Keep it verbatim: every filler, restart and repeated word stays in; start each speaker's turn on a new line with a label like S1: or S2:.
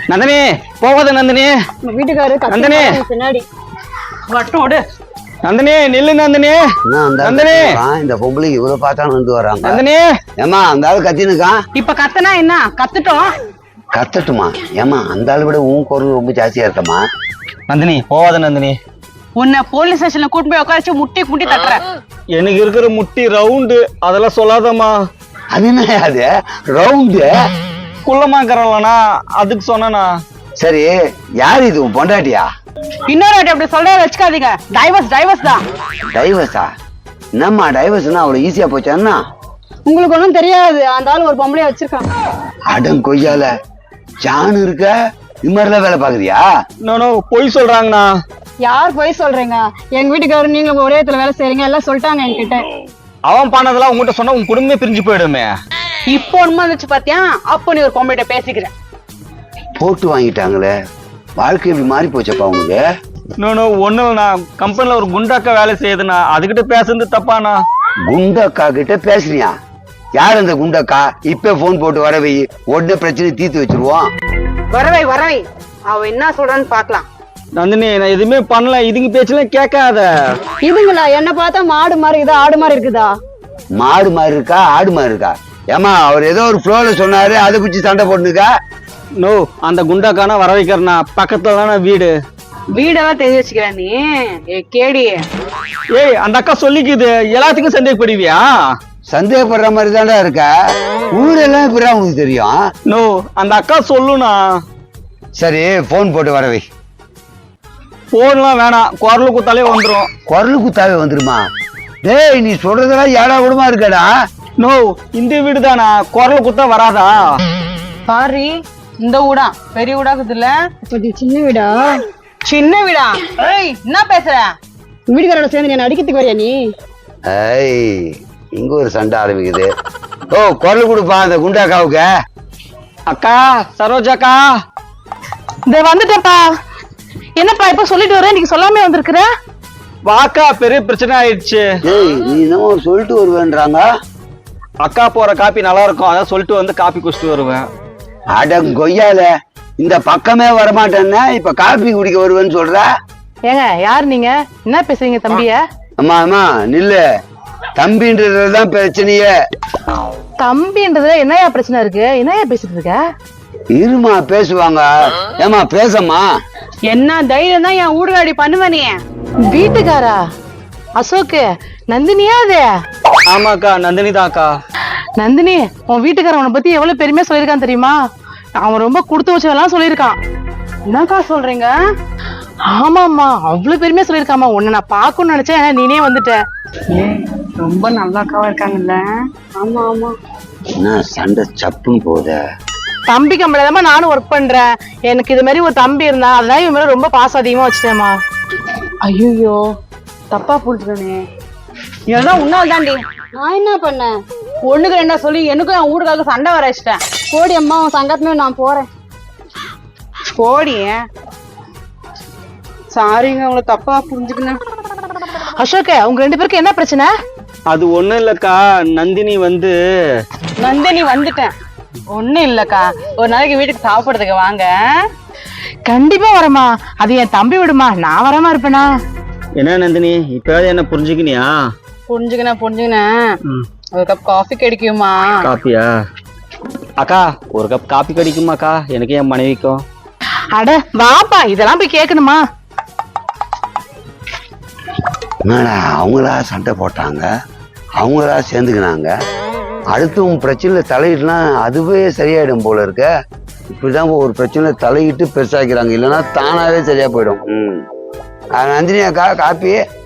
S1: நந்தினி போகாத நந்தினி.
S2: வீட்டுக்காரு
S1: நந்தினி
S2: பின்னாடி வட்டம் ஓடு.
S1: நந்தினி நில்லு நந்தினி. நந்தினி
S3: இந்த பொம்பளைக்கு இவ்வளவு பார்த்தா வந்து வராங்க.
S1: நந்தினி
S3: ஏமா அந்த ஆளு கத்தினுக்கான்.
S2: இப்ப கத்தனா என்ன கத்துட்டோம்.
S3: கத்தட்டுமா? ஏமா அந்த ஆளு விட உன் குரல் ரொம்ப ஜாஸ்தியா இருக்கமா.
S1: நந்தினி போகாத நந்தினி.
S2: உன்னை போலீஸ் ஸ்டேஷன்ல கூட்டு போய் உட்கார வச்சு முட்டி முட்டி தட்டுற.
S1: எனக்கு இருக்கிற முட்டி ரவுண்டு, அதெல்லாம் சொல்லாதம்மா.
S3: அது என்ன அது ரவுண்டு?
S1: குள்ளமாக்கறலனா அதுக்கு சொன்னா.
S3: சரி யாரு இது உன் பொண்டாட்டியா?
S2: இன்னொரு வாட்டி அப்படி சொல்ற வச்சுக்காதீங்க. டைவர்ஸ் டைவர்ஸ் தான்.
S3: டைவர்ஸா? என்னம்மா டைவர்ஸ்னா அவ்வளவு ஈஸியா போச்சான்னா?
S2: உங்களுக்கு ஒண்ணும் தெரியாது. அந்த ஆள் ஒரு பொம்பளைய வச்சிருக்கான்.
S3: அடம் கொய்யால ஜான் இருக்க இது மாதிரிலாம் வேலை பாக்குறியா?
S1: நோ பொய் சொல்றாங்கண்ணா.
S2: யார் போய் சொல்றீங்க? எங்க வீட்டுக்காரரு நீங்க ஒரே இடத்துல வேலை செய்றீங்க எல்லாம் சொல்லிட்டாங்க என்கிட்ட.
S1: அவன் பண்ணதெல்லாம் உங்ககிட்ட சொன்னா உன் குடும்பமே பிரிஞ்சு போயிடுமே.
S2: இப்போ உண்மை வந்துச்சு பாத்தியா? அப்போ நீ ஒரு பொம்பளைட்ட பேசிக்கிறேன்.
S3: போட்டு வாங்கிட்டாங்களே, வாழ்க்கை இப்படி மாறி போச்சப்பா உங்களுக்கு.
S1: நோ ஒண்ணு நான் கம்பெனில ஒரு குண்டாக்கா வேலை செய்யுதுண்ணா, அதுகிட்ட பேசுறது தப்பாண்ணா.
S3: குண்டக்கா கிட்ட பேசுறியா? யார் அந்த குண்டக்கா? இப்ப போன் போட்டு வரவை, உடனே பிரச்சனை தீர்த்து வச்சிருவோம்.
S2: வரவை வரவை அவ என்ன சொல்றான்னு பாக்கலாம்.
S1: நந்தினி நான் எதுவுமே பண்ணல, இதுங்க பேச்செல்லாம் கேட்காத.
S2: இதுங்களா என்ன பார்த்தா மாடு மாதிரி இருக்குதா ஆடு மாதிரி இருக்குதா?
S3: மாடு மாதிரி இருக்கா ஆடு மாதிரி இருக்கா? ஏமா அவர் ஏதோ ஒரு ஃப்ளோல சொன்னாரு, அதை பிடிச்சி சண்டை போட்டுக்கா.
S1: நோ அந்த குண்டாக்கானா வர வைக்கிறனா, பக்கத்துல தானே வீடு.
S2: வீடெல்லாம் தெரிஞ்சு வச்சுக்கிற நீ. ஏ கேடி,
S1: ஏய் அந்த அக்கா சொல்லிக்குது, எல்லாத்துக்கும் சந்தேகப்படுவியா?
S3: சந்தேகப்படுற மாதிரி தாண்டா இருக்க. ஊரெல்லாம் இப்ப உங்களுக்கு தெரியும்.
S1: நோ அந்த அக்கா சொல்லுண்ணா.
S3: சரி போன் போட்டு வரவை.
S1: போன்லாம் வேணாம், குரல் குத்தாலே வந்துடும்.
S3: குரல் குத்தாவே வந்துருமா? டேய் நீ சொல்றதெல்லாம் ஏடா கூடமா இருக்கடா.
S1: நோ இந்த வீடு தானா, குரல் குத்தா வராதா?
S2: சாரி இந்த வீடா பெரிய வீடாக்குது இல்ல, சின்ன வீடா? சின்ன வீடா? ஏய் என்ன பேசுற? வீட்டுக்காரோட சேர்ந்து என்ன அடிக்கிறதுக்கு வரியா நீ?
S3: ஏய் இங்க ஒரு சண்டை ஆரம்பிக்குது. ஓ குரல் கொடுப்பா அந்த குண்டாக்காவுக்கு.
S1: அக்கா சரோஜாக்கா.
S2: இந்த வந்துட்டப்பா. என்னப்பா இப்ப சொல்லிட்டு வர, நீங்க சொல்லாமே வந்திருக்கிற?
S1: வாக்கா பெரிய பிரச்சனை ஆயிடுச்சு.
S3: ஏய் நீ என்னமோ சொல்லிட்டு வருவேன்றாங்க.
S1: அக்கா போற காப்பி நல்லா இருக்கும், அதான் சொல்லிட்டு வந்து காப்பி குடிச்சிட்டு வருவேன்.
S3: அட கொய்யால இந்த பக்கமே வரமாட்டேன்னா இப்ப காப்பி குடிக்க வருவேன்னு சொல்ற.
S2: ஏங்க யார் நீங்க? என்ன பேசுறீங்க தம்பிய?
S3: அம்மா அம்மா நில்லு. தம்பின்றதுதான் பிரச்சனையே.
S2: தம்பின்றதுல என்னையா பிரச்சனை இருக்கு? என்னையா பேசிட்டு இருக்க?
S3: இருமா பேசுவாங்க. ஏமா பேசம்மா.
S2: என்ன தைரியம் தான் என் ஊடுகாடி பண்ணுவ நீ? வீட்டுக்காரா? அசோக்கு நந்தினியா அது?
S1: ஆமாக்கா நந்தினி தான்க்கா.
S2: நந்தினி உன் வீட்டுக்காரன் உன்னை பத்தி எவ்வளவு பெருமையா சொல்லியிருக்கான் தெரியுமா? அவன் ரொம்ப கொடுத்து வச்சதெல்லாம் சொல்லியிருக்கான். என்னக்கா சொல்றீங்க? ஆமாம்மா அவ்வளவு பெருமையா சொல்லியிருக்காமா. உன்னை நான் பாக்கணும்னு நினைச்சேன், நீனே வந்துட்ட. ரொம்ப நல்லாக்காவா இருக்காங்கல்ல? ஆமா ஆமா.
S3: என்ன சண்டை சப்புன்னு போத?
S2: தம்பி கம்பெனிலமா நானும் ஒர்க் பண்றேன். எனக்கு இது மாதிரி ஒரு தம்பி இருந்தா அதான் இவன் மேல ரொம்ப பாசம் அதிகமா வச்சுட்டேமா. ஐயோ தப்பா புரிஞ்சுக்கணே. இதெல்லாம் உன்னால தாண்டி. நான் என்ன பண்ணேன்? ஒண்ணுக்கு ரெண்டா சொல்லி எனக்கும் என் வீட்டுக்காக சண்டை வர வச்சிட்டேன். கோடி அம்மா உன் சங்கத்துமே நான் போறேன். கோடி சாரிங்க, உங்களை தப்பா புரிஞ்சுக்கணும். அசோக் உங்க ரெண்டு பேருக்கு என்ன பிரச்சனை?
S1: அது ஒண்ணும் இல்லக்கா, நந்தினி வந்து.
S2: நந்தினி வந்துட்டேன். ஒண்ணும் இல்லக்கா, ஒரு நாளைக்கு வீட்டுக்கு சாப்பிடுறதுக்கு வாங்க. கண்டிப்பா வரமா. அது என் தம்பி விடுமா, நான் வராம இருப்பேனா?
S1: என்ன நந்தினி இப்பயாவது என்ன புரிஞ்சுக்கினியா?
S2: புரிஞ்சுக்கின புரிஞ்சுக்கினேன். ஒரு கப் காஃபி கிடைக்குமா?
S1: காப்பியா? அக்கா ஒரு கப் காப்பி கிடைக்குமாக்கா எனக்கு என் மனைவிக்கும்?
S2: அட வாப்பா, இதெல்லாம் போய் கேட்கணுமா?
S3: என்னடா அவங்களா சண்டை போட்டாங்க, அவங்களா சேர்ந்துக்கினாங்க. அடுத்து உன் பிரச்சனையில தலையிட்டுனா அதுவே சரியாயிடும் போல இருக்க. இப்படிதான் ஒரு பிரச்சனையில தலையிட்டு பெருசாக்கிறாங்க, இல்லைன்னா தானாவே சரியா போயிடும். ம் நந்தினி அக்கா காப்பி.